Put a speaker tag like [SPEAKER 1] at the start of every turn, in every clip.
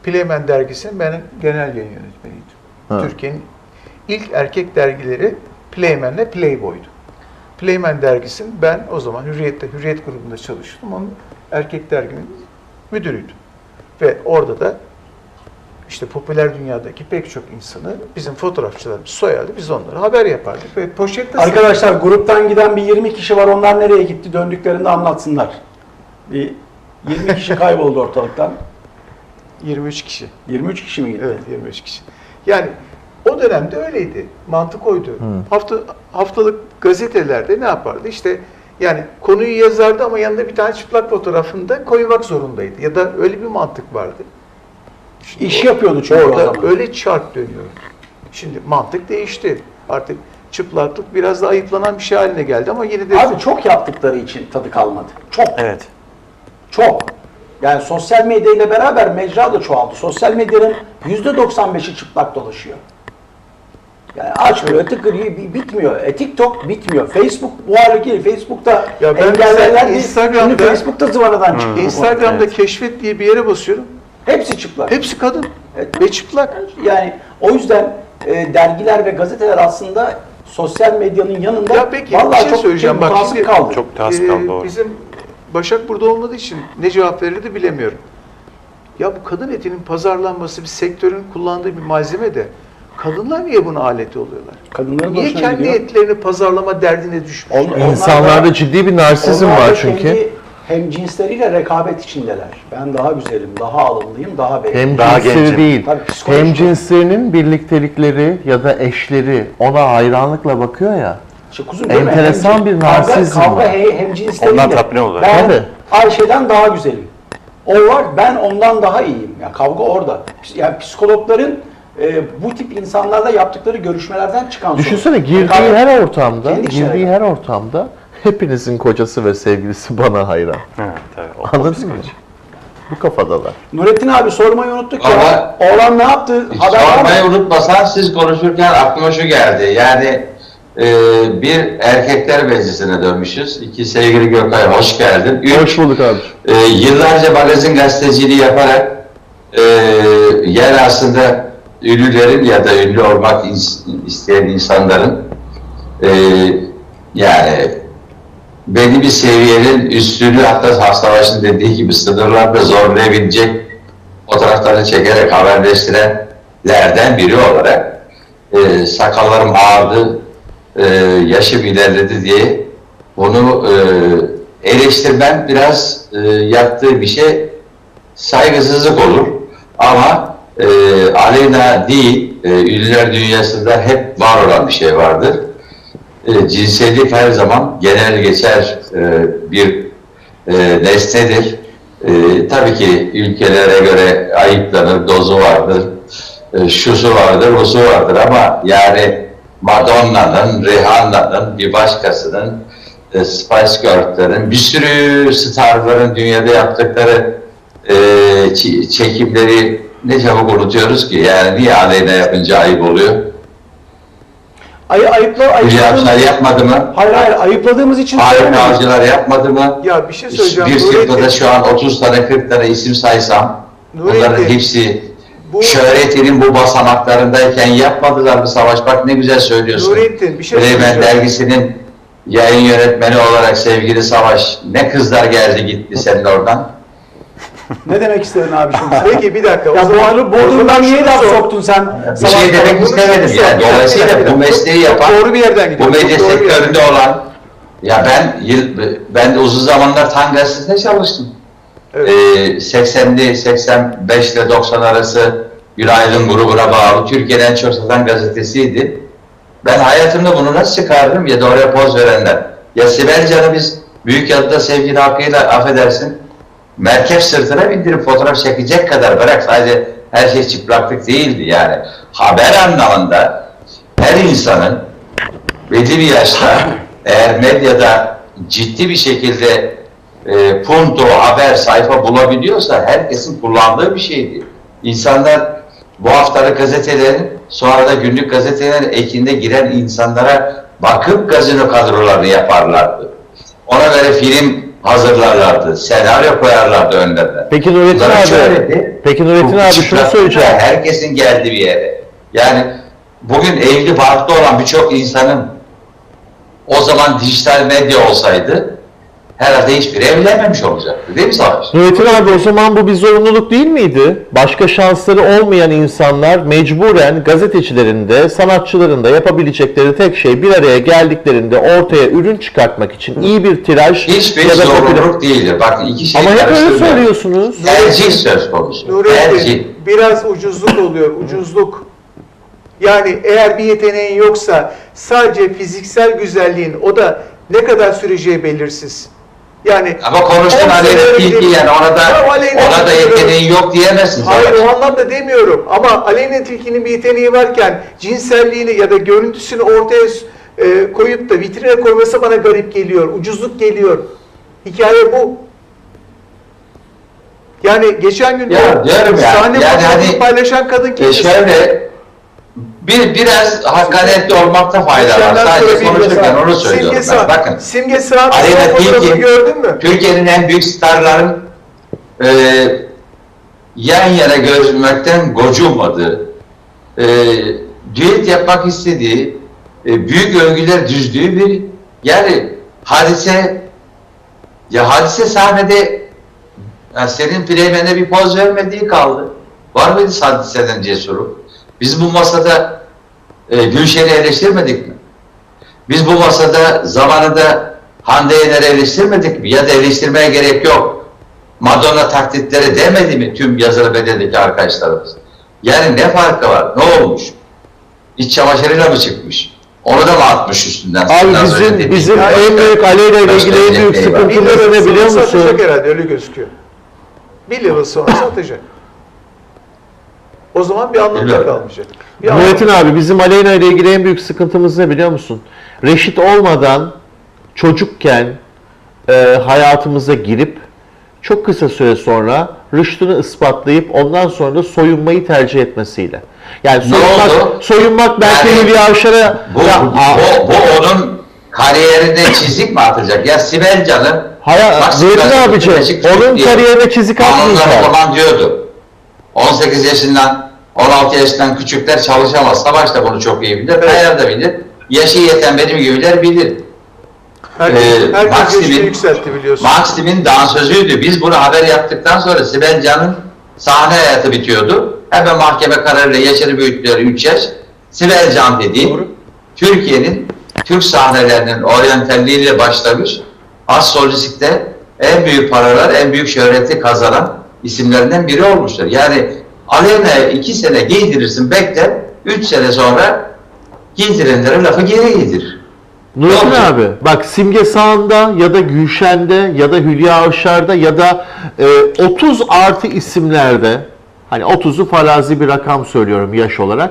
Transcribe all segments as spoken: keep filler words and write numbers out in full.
[SPEAKER 1] Playmen dergisinin ben genel yayın yönetmeniydim.
[SPEAKER 2] Ha.
[SPEAKER 1] Türkiye'nin ilk erkek dergileri Playmen'le Playboy'du. Playmen dergisinin ben o zaman Hürriyet'te, Hürriyet grubunda çalıştım. Onun erkek derginin müdürüydüm. Ve orada da işte popüler dünyadaki pek çok insanı bizim fotoğrafçılarımız soyardı. Biz onlara haber yapardık. Ve poşette
[SPEAKER 3] Arkadaşlar gruptan giden bir yirmi kişi var. Onlar nereye gitti? Döndüklerinde anlatsınlar. Bir yirmi kişi kayboldu ortalıktan.
[SPEAKER 1] yirmi üç kişi.
[SPEAKER 3] yirmi üç kişi mi gitti?
[SPEAKER 1] Evet, yirmi üç kişi. Yani o dönemde öyleydi. Mantık oydu.
[SPEAKER 2] Hı.
[SPEAKER 1] Hafta haftalık gazetelerde ne yapardı? İşte yani konuyu yazardı ama yanında bir tane çıplak fotoğrafını da koymak zorundaydı. Ya da öyle bir mantık vardı. Şimdi
[SPEAKER 3] İş
[SPEAKER 1] o-
[SPEAKER 3] yapıyordu çünkü o
[SPEAKER 1] orada
[SPEAKER 3] zaman.
[SPEAKER 1] öyle çark dönüyor. Şimdi mantık değişti. Artık çıplaklık biraz da ayıplanan bir şey haline geldi ama yine de
[SPEAKER 3] Abi çok yaptıkları için tadı kalmadı. Çok.
[SPEAKER 4] Evet.
[SPEAKER 3] Çok. Yani sosyal medya ile beraber mecra da çoğaldı. Sosyal medyanın yüzde doksan beşi çıplak dolaşıyor. Yani açmıyor, tıkırıyor, bi- bitmiyor. E, TikTok bitmiyor. Facebook bu hale değil. Facebook'ta
[SPEAKER 1] Ya ben
[SPEAKER 3] engellerler
[SPEAKER 1] mesela
[SPEAKER 3] değil.
[SPEAKER 1] Instagram'da-
[SPEAKER 3] Şimdi Facebook'ta zıvanadan çıkıyor.
[SPEAKER 1] Instagram'da
[SPEAKER 4] Evet.
[SPEAKER 1] keşfet diye bir yere basıyorum.
[SPEAKER 3] Hepsi çıplak.
[SPEAKER 1] Hepsi kadın
[SPEAKER 3] Evet.
[SPEAKER 1] ve çıplak.
[SPEAKER 3] Yani o yüzden e, dergiler ve gazeteler aslında sosyal medyanın yanında
[SPEAKER 1] Ya peki
[SPEAKER 3] vallahi
[SPEAKER 1] bir şey
[SPEAKER 3] çok
[SPEAKER 1] söyleyeceğim. Bak
[SPEAKER 3] mutasip
[SPEAKER 1] şimdi
[SPEAKER 3] kaldı.
[SPEAKER 4] Çok ters
[SPEAKER 1] Ee,
[SPEAKER 4] kaldı, doğru.
[SPEAKER 1] Bizim Başak burada olmadığı için ne cevap verirdi bilemiyorum. Ya bu kadın etinin pazarlanması bir sektörün kullandığı bir malzeme de kadınlar niye buna alet oluyorlar?
[SPEAKER 3] Kadınların
[SPEAKER 1] Niye
[SPEAKER 3] hoşuna
[SPEAKER 1] kendi
[SPEAKER 3] gidiyor.
[SPEAKER 1] etlerini pazarlama derdine düşmüş?
[SPEAKER 3] On- onlar
[SPEAKER 2] İnsanlarda
[SPEAKER 3] da-
[SPEAKER 2] ciddi bir narsizm
[SPEAKER 3] onlar da
[SPEAKER 2] var çünkü.
[SPEAKER 3] kendi hem cinsleriyle rekabet içindeler. Ben daha güzelim, daha alımlıyım, daha beğendim.
[SPEAKER 2] Hem
[SPEAKER 4] Daha
[SPEAKER 2] cinsleri
[SPEAKER 4] gencim.
[SPEAKER 2] değil,
[SPEAKER 3] Tabii psikolojik
[SPEAKER 2] hem
[SPEAKER 3] olarak.
[SPEAKER 2] cinslerinin birliktelikleri ya da eşleri ona hayranlıkla bakıyor ya.
[SPEAKER 3] İşte kuzum değil mi?
[SPEAKER 2] Enteresan
[SPEAKER 3] Hem-
[SPEAKER 2] bir
[SPEAKER 3] kavga-
[SPEAKER 2] narsizm
[SPEAKER 3] Kavga
[SPEAKER 2] var.
[SPEAKER 3] he- hem cinsleriyle.
[SPEAKER 4] Ondan tatmin oluyorlar.
[SPEAKER 3] Ben
[SPEAKER 2] Tabii.
[SPEAKER 3] Ayşe'den daha güzelim. O var, ben ondan daha iyiyim. Ya kavga orada. Yani psikologların e, bu tip insanlarla yaptıkları görüşmelerden çıkan sonuç.
[SPEAKER 2] Düşünsene girdiği
[SPEAKER 3] Rekabet-
[SPEAKER 2] her ortamda,
[SPEAKER 3] Kendi içine
[SPEAKER 2] girdiği
[SPEAKER 3] rekabet.
[SPEAKER 2] her ortamda hepinizin kocası ve sevgilisi bana hayran.
[SPEAKER 4] Ha, tabii. O-
[SPEAKER 2] Anladın mı? Bu kafadalar.
[SPEAKER 3] Nurettin abi sormayı unuttuk ya.
[SPEAKER 5] Ama-
[SPEAKER 3] Oğlan ne yaptı? Haber var
[SPEAKER 5] Sormayı
[SPEAKER 3] mı?
[SPEAKER 5] unutmasan siz konuşurken aklıma şu geldi. Yani e, bir erkekler meclisine dönmüşüz. İki sevgili Gökay hoş geldin. Üç,
[SPEAKER 2] Hoş bulduk abi.
[SPEAKER 5] e, yıllarca magazin gazeteciliği yaparak e, yer aslında ünlülerin ya da ünlü olmak is- isteyen insanların e, yani belli bir seviyenin üstünü hatta Savaş'ın dediği gibi sınırlarda zorlayabilecek fotoğraflarını çekerek haberleştirenlerden biri olarak e, sakallarım ağardı, e, yaşım ilerledi diye bunu e, eleştirmem biraz e, yaptığı bir şey saygısızlık olur. Ama e, aleyna değil, e, ünlüler dünyasında hep var olan bir şey vardır. E, cinsellik her zaman genel geçer e, bir e, nesnedir. E, tabii ki ülkelere göre ayıplanır, dozu vardır, e, şusu vardır, busu vardır ama yani Madonna'nın, Rihanna'nın, bir başkasının, e, Spice Girls'lerin, bir sürü starların dünyada yaptıkları e, ç- çekimleri ne çabuk unutuyoruz ki. Yani niye aleyna yapınca ayıp oluyor?
[SPEAKER 3] Ay, ayıpla,
[SPEAKER 5] Hülya
[SPEAKER 3] ayıpladığımız,
[SPEAKER 5] Avşar yapmadı mı?
[SPEAKER 3] hayır hayır ayıpladığımız için
[SPEAKER 5] Harika
[SPEAKER 3] söylemedik.
[SPEAKER 5] Avcılar yapmadı mı?
[SPEAKER 1] Ya bir şey söyleyeceğim.
[SPEAKER 5] Bir
[SPEAKER 1] Nurettin,
[SPEAKER 5] sırada şu an otuz tane kırk tane isim saysam
[SPEAKER 1] Nurettin,
[SPEAKER 5] bunların hepsi
[SPEAKER 1] bu-
[SPEAKER 5] şöhretinin bu basamaklarındayken yapmadılar mı Savaş? Bak ne güzel söylüyorsun.
[SPEAKER 1] Nurettin bir şey
[SPEAKER 5] Bremen
[SPEAKER 1] söyleyeceğim.
[SPEAKER 5] dergisinin yayın yönetmeni olarak sevgili Savaş, ne kızlar geldi gitti senin oradan.
[SPEAKER 3] Ne demek istedin abi şimdi sen?
[SPEAKER 1] Peki bir dakika. o
[SPEAKER 3] Ya
[SPEAKER 1] zaman-
[SPEAKER 3] Boğazı
[SPEAKER 1] o
[SPEAKER 3] Bodrum'dan
[SPEAKER 1] zaman
[SPEAKER 3] niye
[SPEAKER 1] şunu
[SPEAKER 3] laf
[SPEAKER 1] sor.
[SPEAKER 3] soktun sen?
[SPEAKER 5] Bir şey
[SPEAKER 3] Sabah-
[SPEAKER 5] demek
[SPEAKER 1] bunu
[SPEAKER 5] istemedim
[SPEAKER 1] şunu
[SPEAKER 5] yani.
[SPEAKER 1] sor.
[SPEAKER 5] Dolayısıyla
[SPEAKER 1] Bir dakika,
[SPEAKER 5] bu
[SPEAKER 1] bir dakika.
[SPEAKER 5] mesleği
[SPEAKER 1] Çok
[SPEAKER 5] yapan,
[SPEAKER 1] doğru bir yerden
[SPEAKER 5] bu
[SPEAKER 1] gidiyor.
[SPEAKER 5] medya
[SPEAKER 1] Çok doğru bir yerden
[SPEAKER 5] sektöründe olan, ya ben yıl, ben de uzun zamanlar Tan Gazetesi'nde çalıştım.
[SPEAKER 1] Evet.
[SPEAKER 5] Ee, seksenli seksen beş ile doksan arası Günaydın grubuna bağlı Türkiye'nin en çok satan gazetesiydi. Ben hayatımda bunu nasıl çıkardım ya da oraya poz verenler. Ya Sibel Can'ı biz Büyükyalı'da sevgili hakkıyla affedersin merkep sırtına bindirip fotoğraf çekecek kadar bırak sadece her şey çıplaklık değildi yani. Haber anlamında her insanın belli bir yaşta eğer medyada ciddi bir şekilde e, punto, haber, sayfa bulabiliyorsa herkesin kullandığı bir şeydi. İnsanlar bu haftalık gazetelerin sonra da günlük gazetelerin ekinde giren insanlara bakıp gazino kadrolarını yaparlardı. Ona göre film hazırlarlardı. Senaryo koyarlardı önlerine.
[SPEAKER 2] Peki Nurettin
[SPEAKER 5] Bunların
[SPEAKER 2] abi,
[SPEAKER 5] şöhreti,
[SPEAKER 2] peki Nurettin
[SPEAKER 5] bu
[SPEAKER 2] abi şunu
[SPEAKER 5] çıplaklıkla
[SPEAKER 2] söyleyeceğim.
[SPEAKER 5] herkesin geldiği bir yere. Yani bugün evli barklı olan birçok insanın o zaman dijital medya olsaydı herhalde hiçbiri evlenmemiş olacaktı. Değil mi Savaş?
[SPEAKER 2] Nurettin abi o zaman bu bir zorunluluk değil miydi? Başka şansları olmayan insanlar mecburen gazetecilerin de sanatçıların da yapabilecekleri tek şey bir araya geldiklerinde ortaya ürün çıkartmak için iyi bir tiraj
[SPEAKER 5] Hiçbir
[SPEAKER 2] ya da
[SPEAKER 5] zorunluluk değildir. Bakın iki şey
[SPEAKER 2] ama hep öyle
[SPEAKER 5] karıştırmayalım.
[SPEAKER 2] söylüyorsunuz.
[SPEAKER 5] Tercih söz konusu.
[SPEAKER 1] Nurettin,
[SPEAKER 5] Tercih.
[SPEAKER 1] biraz ucuzluk oluyor, ucuzluk. Yani eğer bir yeteneğin yoksa sadece fiziksel güzelliğin o da ne kadar süreceği belirsiz. Yani
[SPEAKER 5] Ama konuştun
[SPEAKER 1] on
[SPEAKER 5] Aleyna
[SPEAKER 1] sene
[SPEAKER 5] Tilki
[SPEAKER 1] önce-
[SPEAKER 5] yani ona da
[SPEAKER 1] Tamam, Aleyna
[SPEAKER 5] ona da
[SPEAKER 1] Tilki
[SPEAKER 5] yeteneği yok diyemezsin.
[SPEAKER 1] Hayır
[SPEAKER 5] Savaş.
[SPEAKER 1] o anlamda demiyorum ama Aleyna Tilki'nin bir yeteneği varken cinselliğini ya da görüntüsünü ortaya e, koyup da vitrine koyması bana garip geliyor, ucuzluk geliyor. Hikaye bu. Yani geçen gün
[SPEAKER 5] Ya diyorum ya,
[SPEAKER 1] sahne
[SPEAKER 5] yani
[SPEAKER 1] fotoğrafını
[SPEAKER 5] hani-
[SPEAKER 1] paylaşan kadın
[SPEAKER 5] E
[SPEAKER 1] kimdi?
[SPEAKER 5] şöyle bir biraz hakaretli olmakta fayda var.
[SPEAKER 1] Geçenler
[SPEAKER 5] Sadece
[SPEAKER 1] sonra bir
[SPEAKER 5] konuşurken
[SPEAKER 1] mesela
[SPEAKER 5] onu söylüyorum
[SPEAKER 1] Simge
[SPEAKER 5] ben.
[SPEAKER 1] Sağ-
[SPEAKER 5] Bakın.
[SPEAKER 1] Simge Sağ
[SPEAKER 5] Aleyna
[SPEAKER 1] fotoğrafını
[SPEAKER 5] Tilki
[SPEAKER 1] gördün mü?
[SPEAKER 5] Türkiye'nin en büyük starların e, yan yana görünmekten gocunmadığı, e, düet yapmak istediği, e, büyük övgüler düzdüğü bir yani hadise ya hadise sahnede ya senin Pleymen'e bir poz vermediği kaldı. Var mıydı hadiseden cesuru? Biz bu masada e, Gülşen'i eleştirmedik mi? Biz bu masada zamanında Hande Yener'i eleştirmedik mi? Ya da eleştirmeye gerek yok. Madonna taklitleri demedi mi tüm yazılı bedeldeki arkadaşlarımız? Yani ne farkı var? Ne olmuş? İç çamaşırıyla mı çıkmış? Onu da mı atmış üstünden?
[SPEAKER 2] Abi
[SPEAKER 5] Senden
[SPEAKER 2] bizim
[SPEAKER 5] söylediğim
[SPEAKER 2] bizim
[SPEAKER 5] gibi.
[SPEAKER 2] en büyük Aleyna ile ilgili en büyük
[SPEAKER 5] Başka bir şey
[SPEAKER 2] sıkıntımız
[SPEAKER 1] Bir
[SPEAKER 2] ne
[SPEAKER 1] yıl
[SPEAKER 2] biliyor
[SPEAKER 1] sonra
[SPEAKER 2] musun?
[SPEAKER 1] satacak herhalde öyle gözüküyor. Bir yıl sonra satacak. O zaman bir anlamı da
[SPEAKER 5] Bilmiyorum.
[SPEAKER 1] kalmayacak. Bir anlamı-
[SPEAKER 2] Nurettin abi bizim Aleyna ile ilgili en büyük sıkıntımız ne biliyor musun? Reşit olmadan çocukken e, hayatımıza girip çok kısa süre sonra rüştünü ispatlayıp ondan sonra da soyunmayı tercih etmesiyle. Yani
[SPEAKER 5] Ne
[SPEAKER 2] soyunmak,
[SPEAKER 5] oldu?
[SPEAKER 2] soyunmak belki
[SPEAKER 5] Yani
[SPEAKER 2] Hülya Avşar'a
[SPEAKER 5] Bu,
[SPEAKER 2] ya,
[SPEAKER 5] bu,
[SPEAKER 2] aa,
[SPEAKER 5] bu, bu onun kariyerine çizik mi atacak? Ya Sibel Can'ın
[SPEAKER 2] Hayır,
[SPEAKER 5] bak,
[SPEAKER 2] Nurettin
[SPEAKER 5] Sibel Can'ın
[SPEAKER 2] abicim,
[SPEAKER 5] küçük
[SPEAKER 2] onun
[SPEAKER 5] diye-
[SPEAKER 2] kariyerine çizik
[SPEAKER 5] Kanunlar o
[SPEAKER 2] atmayacak.
[SPEAKER 5] zaman diyordu. on sekiz yaşından on altı yaşından küçükler çalışamaz. Savaş da bunu çok iyi bilir. Kayar da bilir. Yaşı yeten benim gibiler bilir.
[SPEAKER 1] Herkes,
[SPEAKER 5] Ee,
[SPEAKER 1] herkes
[SPEAKER 5] Maxim'in-
[SPEAKER 1] yaşını yükseltti biliyorsun.
[SPEAKER 5] Maxim'in dansözüydü. Biz bunu haber yaptıktan sonra Sibel Can'ın sahne hayatı bitiyordu. Hemen mahkeme kararıyla yaşını büyüttüler üç yaş. Sibel Can dediği
[SPEAKER 1] Doğru.
[SPEAKER 5] Türkiye'nin Türk sahnelerinin oryantalliğiyle başlamış. Az solistikte en büyük paralar, en büyük şöhreti kazanan isimlerinden biri olmuştur. Yani Aleyna'ya iki sene giydirirsin, bekler, üç sene sonra giydirenlere lafı geri giydirir.
[SPEAKER 2] Nurettin
[SPEAKER 5] Ne olacak?
[SPEAKER 2] abi bak Simge Sağ'ında ya da Gülşen'de ya da Hülya Avşar'da ya da e, otuz artı isimlerde hani otuzu farazi bir rakam söylüyorum yaş olarak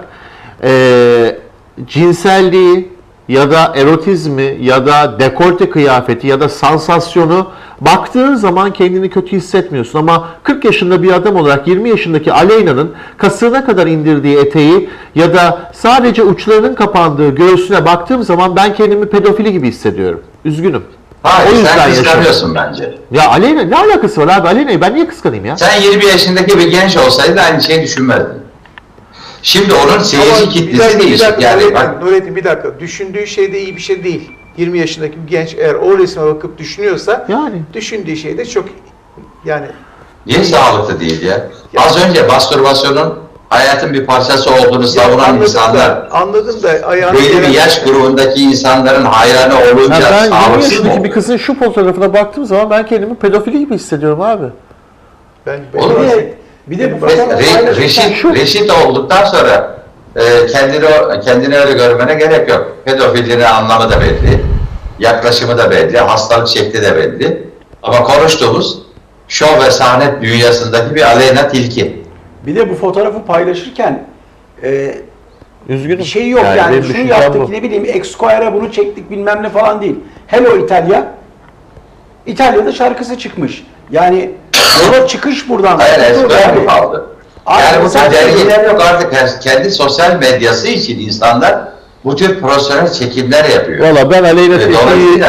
[SPEAKER 2] e, cinselliği ya da erotizmi ya da dekolte kıyafeti ya da sansasyonu baktığın zaman kendini kötü hissetmiyorsun ama kırk yaşında bir adam olarak yirmi yaşındaki Aleyna'nın kasığına kadar indirdiği eteği ya da sadece uçlarının kapandığı göğsüne baktığım zaman ben kendimi pedofili gibi hissediyorum. Üzgünüm.
[SPEAKER 5] Hayır,
[SPEAKER 2] O yüzden
[SPEAKER 5] sen
[SPEAKER 2] yaşıyorum.
[SPEAKER 5] kıskanıyorsun bence.
[SPEAKER 2] Ya Aleyna ne alakası var abi? Aleyna'yı ben niye kıskanayım ya?
[SPEAKER 5] Sen yirmi yaşındaki bir genç olsaydı aynı şeyi düşünmezdin. Şimdi onun
[SPEAKER 1] Ama
[SPEAKER 5] seyirci
[SPEAKER 1] bir
[SPEAKER 5] kitlesi
[SPEAKER 1] dakika, bir
[SPEAKER 5] değişik.
[SPEAKER 1] dakika,
[SPEAKER 5] Yani
[SPEAKER 1] Nurettin,
[SPEAKER 5] bak,
[SPEAKER 1] Nurettin, bir dakika. Düşündüğü şey de iyi bir şey değil. yirmi yaşındaki bir genç eğer o resme bakıp düşünüyorsa
[SPEAKER 2] Yani.
[SPEAKER 1] düşündüğü şey de çok yani
[SPEAKER 5] niye sağlıklı değil ya? Az önce mastürbasyonun hayatın bir parçası olduğunu savunan
[SPEAKER 1] anladım
[SPEAKER 5] insanlar,
[SPEAKER 1] da, anladım da ayağını
[SPEAKER 5] belli bir
[SPEAKER 1] yere-
[SPEAKER 5] yaş grubundaki insanların hayranı
[SPEAKER 2] Ya
[SPEAKER 5] olunca
[SPEAKER 2] ben yirmi
[SPEAKER 5] sağlıksız mı
[SPEAKER 2] yaşındaki bir
[SPEAKER 5] olur?
[SPEAKER 2] kızın şu fotoğrafına baktığım zaman ben kendimi pedofili gibi hissediyorum abi.
[SPEAKER 1] Ben, ben
[SPEAKER 5] Olur mu?
[SPEAKER 3] Bir de, bir de bu
[SPEAKER 5] Re-
[SPEAKER 3] fotoğrafı
[SPEAKER 5] Re-
[SPEAKER 3] paylaşırken
[SPEAKER 5] reşit,
[SPEAKER 2] şu-
[SPEAKER 5] reşit olduktan sonra e, kendini, kendini öyle görmene gerek yok. Pedofilinin anlamı da belli, yaklaşımı da belli, hastalık şekli de belli. Ama konuştuğumuz şov ve sahne dünyasındaki bir Aleyna Tilki.
[SPEAKER 3] bir de bu fotoğrafı paylaşırken e,
[SPEAKER 2] Üzgünüm.
[SPEAKER 3] bir şey yok yani,
[SPEAKER 2] benim
[SPEAKER 3] şunu
[SPEAKER 2] düşüncem
[SPEAKER 3] yaptık
[SPEAKER 2] bu.
[SPEAKER 3] ne bileyim Esquire'a bunu çektik bilmem ne falan değil. Hello İtalya. İtalya'da şarkısı çıkmış. Yani yola çıkış buradan.
[SPEAKER 5] Hayır,
[SPEAKER 3] Dur
[SPEAKER 5] ezber
[SPEAKER 3] yani.
[SPEAKER 5] mi kaldı?
[SPEAKER 3] Abi
[SPEAKER 5] Yani bu tür
[SPEAKER 3] sadece-
[SPEAKER 5] dergiler yok artık. Her- Kendi sosyal medyası için insanlar bu tür profesyonel çekimler yapıyor.
[SPEAKER 2] Valla ben Aleyna
[SPEAKER 5] Ve
[SPEAKER 2] Tilki'yi
[SPEAKER 5] dolayısıyla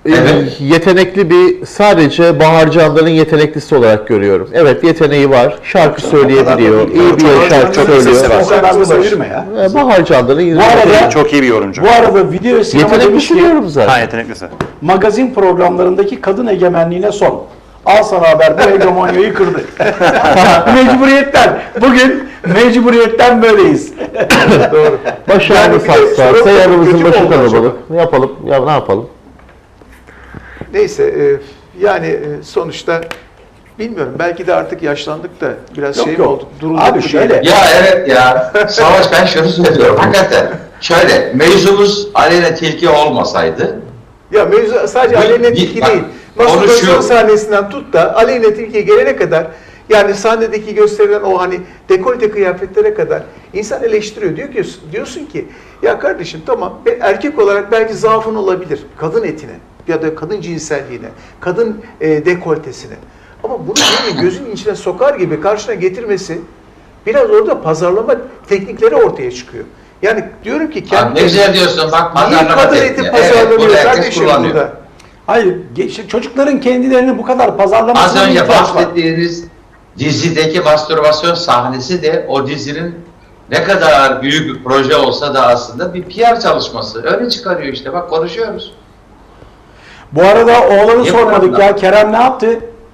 [SPEAKER 5] Evet.
[SPEAKER 2] yetenekli bir, sadece Bahar Candan'ın yeteneklisi olarak görüyorum. Evet, yeteneği var. Şarkı söyleyebiliyor. iyi bir
[SPEAKER 1] Bahar
[SPEAKER 2] şarkı
[SPEAKER 1] Candan'ın sesi
[SPEAKER 2] söylüyor.
[SPEAKER 1] var.
[SPEAKER 3] O kadar da söyleme ya.
[SPEAKER 2] Ee, Bahar Candan'ın
[SPEAKER 3] Bu arada
[SPEAKER 4] Çok iyi bir yorumcu.
[SPEAKER 3] bu arada video ve sinema demiş
[SPEAKER 2] yeteneklisi
[SPEAKER 3] ki
[SPEAKER 2] diyorum zaten.
[SPEAKER 4] Ha, yeteneklisi.
[SPEAKER 3] magazin programlarındaki kadın egemenliğine son. Al sana haber, bu hegemonyayı kırdı. Mecburiyetten. Bugün mecburiyetten böyleyiz.
[SPEAKER 1] Doğru.
[SPEAKER 2] Başarılı
[SPEAKER 1] Yani bir de
[SPEAKER 2] saçlar,
[SPEAKER 1] sorun-
[SPEAKER 2] sayarımızın
[SPEAKER 1] kötü
[SPEAKER 2] başı
[SPEAKER 1] mü oldu acaba?
[SPEAKER 2] kalabalık. Ne yapalım? Ya ne yapalım?
[SPEAKER 1] Neyse e, yani e, sonuçta bilmiyorum, belki de artık yaşlandık da biraz
[SPEAKER 3] Yok,
[SPEAKER 1] şey mi
[SPEAKER 3] yok.
[SPEAKER 1] oldu? Durulduk
[SPEAKER 3] Abi
[SPEAKER 1] mu
[SPEAKER 3] şöyle-
[SPEAKER 1] diyelim?
[SPEAKER 5] Ya evet ya. Savaş, ben şunu söylüyorum. Hakikaten. Şöyle, mevzumuz Aleyna Tilki olmasaydı,
[SPEAKER 1] Ya mevzu sadece
[SPEAKER 5] Bir-
[SPEAKER 1] Aleyna
[SPEAKER 5] bir-
[SPEAKER 1] Tilki
[SPEAKER 5] bak,
[SPEAKER 1] değil. Mastürbasyon
[SPEAKER 5] konuşuyor.
[SPEAKER 1] sahnesinden tut da Aleyna Tilki'ye gelene kadar, yani sahnedeki gösterilen o hani dekolte kıyafetlere kadar insan eleştiriyor. Diyor ki, diyorsun ki ya kardeşim tamam, be- erkek olarak belki zaafın olabilir kadın etine ya da kadın cinselliğine, kadın e, dekoltesine. Ama bunu senin gözünün içine sokar gibi karşına getirmesi, biraz orada pazarlama teknikleri ortaya çıkıyor. Yani diyorum ki
[SPEAKER 5] Abi
[SPEAKER 1] kendi
[SPEAKER 5] ne güzel diyorsun, bak
[SPEAKER 1] niye
[SPEAKER 5] pazarlama
[SPEAKER 1] kadın
[SPEAKER 5] tekniği.
[SPEAKER 1] eti
[SPEAKER 5] Evet,
[SPEAKER 1] pazarlanıyor
[SPEAKER 5] bunu herkes
[SPEAKER 1] kardeşim
[SPEAKER 5] kullanıyor.
[SPEAKER 1] burada?
[SPEAKER 3] Hayır, ge- çocukların kendilerini bu kadar
[SPEAKER 5] Az
[SPEAKER 3] pazarlamasına
[SPEAKER 5] önce
[SPEAKER 3] ihtiyaç var.
[SPEAKER 5] bahsettiğiniz dizideki mastürbasyon sahnesi de o dizinin ne kadar büyük bir proje olsa da aslında bir P R çalışması. Öyle çıkarıyor işte, bak konuşuyoruz.
[SPEAKER 3] Bu arada oğlanı
[SPEAKER 5] Niye
[SPEAKER 3] sormadık
[SPEAKER 5] bu
[SPEAKER 3] ya. Kerem ne yaptı?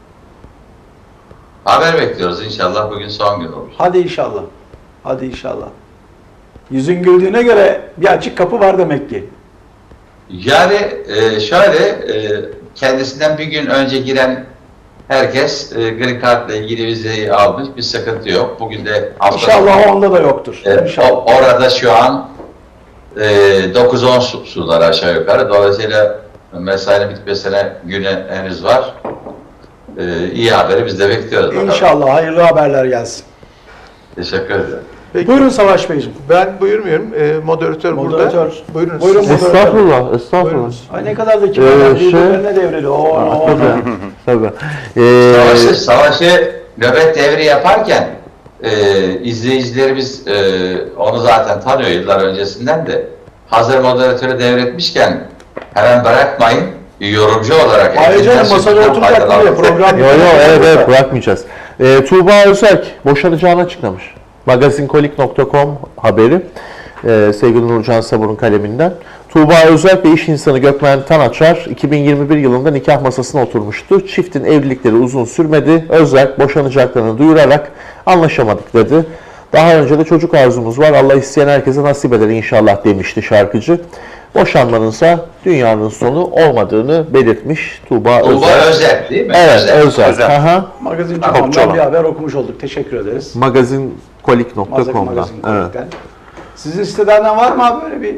[SPEAKER 5] Haber bekliyoruz, inşallah bugün son gün olur.
[SPEAKER 3] Hadi inşallah. Hadi inşallah. Yüzün güldüğüne göre bir açık kapı var demek ki.
[SPEAKER 5] Yani e, şöyle, e, kendisinden bir gün önce giren herkes e, Green Card'la ilgili vizeyi almış, bir sıkıntı yok. Bugün de hafta
[SPEAKER 3] İnşallah o anda da yoktur.
[SPEAKER 5] E,
[SPEAKER 3] İnşallah.
[SPEAKER 5] o- orada şu an e, dokuz on su, sular aşağı yukarı. Dolayısıyla mesainin bitmesine güne henüz var. E, iyi haberi biz de bekliyoruz. bakalım.
[SPEAKER 3] İnşallah hayırlı haberler gelsin.
[SPEAKER 5] Teşekkür ederim.
[SPEAKER 1] Peki,
[SPEAKER 3] Buyurun Savaş Beyciğim.
[SPEAKER 1] ben buyurmuyorum. E, moderatör,
[SPEAKER 3] Moderatör.
[SPEAKER 1] burada. Buyurun.
[SPEAKER 3] Buyurun
[SPEAKER 1] siz.
[SPEAKER 3] moderatör.
[SPEAKER 2] Estağfurullah, estağfurullah.
[SPEAKER 1] Buyurunuz.
[SPEAKER 3] Ay ne kadar da kibar.
[SPEAKER 2] Ee, şey-
[SPEAKER 3] birbirlerine devreli. Oo, oo.
[SPEAKER 2] Tabii. Tabii. Ee,
[SPEAKER 5] Savaşı, savaşı nöbet devri yaparken e, izleyicilerimiz e, onu zaten tanıyor yıllar öncesinden de. Hazır moderatörü devretmişken hemen bırakmayın. Bir yorumcu olarak.
[SPEAKER 3] Ayrıca
[SPEAKER 5] elinizden
[SPEAKER 3] masada
[SPEAKER 5] sözünden
[SPEAKER 3] oturacak
[SPEAKER 5] faydalanın.
[SPEAKER 3] diye program.
[SPEAKER 2] Yo yo, evet evet, bırakmayacağız. Ee, Tuğba Özerk boşanacağını açıklamış. magazinkolik nokta com haberi. Ee, sevgili Nurcan Sabur'un kaleminden. Tuğba Özerk ve iş insanı Gökmen Tanaçar iki bin yirmi bir yılında nikah masasına oturmuştu. Çiftin evlilikleri uzun sürmedi. Özerk boşanacaklarını duyurarak anlaşamadık dedi. Daha önce de çocuk arzumuz var. Allah isteyen herkese nasip eder inşallah demişti şarkıcı. Boşanmanınsa dünyanın sonu olmadığını belirtmiş Tuğba
[SPEAKER 5] Tuğba
[SPEAKER 2] Özerk.
[SPEAKER 5] Özel değil mi?
[SPEAKER 2] Evet,
[SPEAKER 5] Özel.
[SPEAKER 2] Özerk.
[SPEAKER 4] Özel.
[SPEAKER 2] Aha.
[SPEAKER 3] Magazin
[SPEAKER 4] Topçu
[SPEAKER 3] Çukur'dan
[SPEAKER 4] olan.
[SPEAKER 3] bir haber okumuş olduk. Teşekkür ederiz.
[SPEAKER 2] magazinkolik nokta
[SPEAKER 3] Magazin
[SPEAKER 2] com'dan.
[SPEAKER 3] Magazin
[SPEAKER 2] Evet.
[SPEAKER 3] Kolik'ten. Sizin siteden var mı abi böyle bir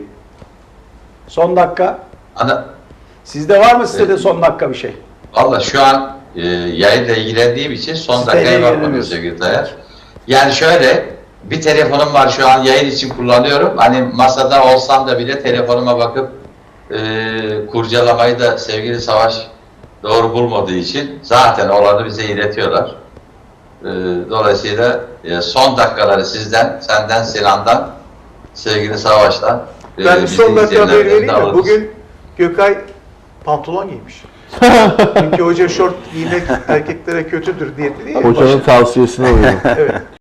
[SPEAKER 3] son dakika?
[SPEAKER 5] Ana,
[SPEAKER 3] Sizde var mı sitede son dakika bir şey?
[SPEAKER 5] Valla şu an e, yayınla ilgilendiğim için son
[SPEAKER 3] Siteyle
[SPEAKER 5] dakikaya bakmadım
[SPEAKER 3] ilgileniyorsun.
[SPEAKER 5] sevgili Tayyar. Yani şöyle, bir telefonum var şu an yayın için kullanıyorum. Hani masada olsam da bile telefonuma bakıp e, kurcalamayı da sevgili Savaş doğru bulmadığı için zaten olanı bize iletiyorlar. E, dolayısıyla e, son dakikaları sizden, senden, Sinan'dan, sevgili Savaş'tan e,
[SPEAKER 1] Ben
[SPEAKER 5] bizi
[SPEAKER 1] son dakika
[SPEAKER 5] izleyenlerden
[SPEAKER 1] haberi
[SPEAKER 5] de
[SPEAKER 1] vereyim mi?
[SPEAKER 5] alırız.
[SPEAKER 1] Bugün Gökay pantolon giymiş. Çünkü hoca şort giymek erkeklere kötüdür diye dedi ya.
[SPEAKER 2] Hocanın tavsiyesine uyuyorum.
[SPEAKER 1] Evet.